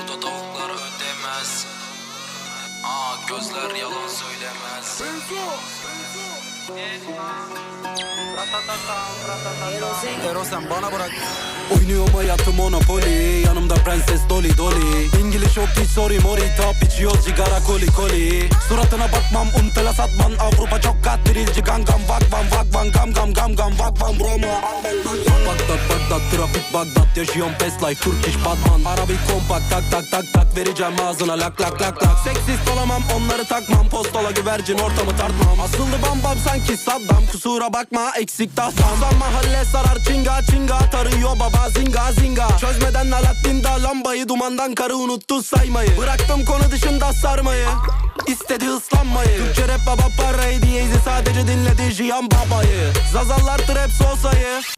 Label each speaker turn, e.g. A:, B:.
A: burada tavuklar ödemez. Gözler yalan söylemez. Ero sen bana bırak. Oynuyorum hayatım Monopoly. Yanımda prenses Dolly Dolly. İngiliz yok hiç sorry mori. Top içiyoruz sigara koli koli. Suratına bakmam untela satman. Avrupa çok kat birilci gangam. Vakvan vakvan gam gam gam gam. Vakvan Roma. Bagdat Bagdat trafik Bagdat. Yaşıyorum fast life Turkish Batman. Arabi kompakt tak tak tak tak. Vereceğim ağzına lak lak lak lak. Seksist olamam onları takmam. Postola güvercin ortamı tartmam. Asıldı bam bam sanki Saddam. Kusura bakma eksik tahtam. Son mahalle sarar çinga çinga. Tarıyor baba zinga zinga. Çözmeden Alaaddin'da lambayı. Dumandan karı unuttu saymayı. Bıraktım konu dışında sarmayı. İstedi ıslanmayı. Türkçe rap baba parayı diyeydi. Sadece dinledi Jiyan babayı. Zazallar trap sosayı.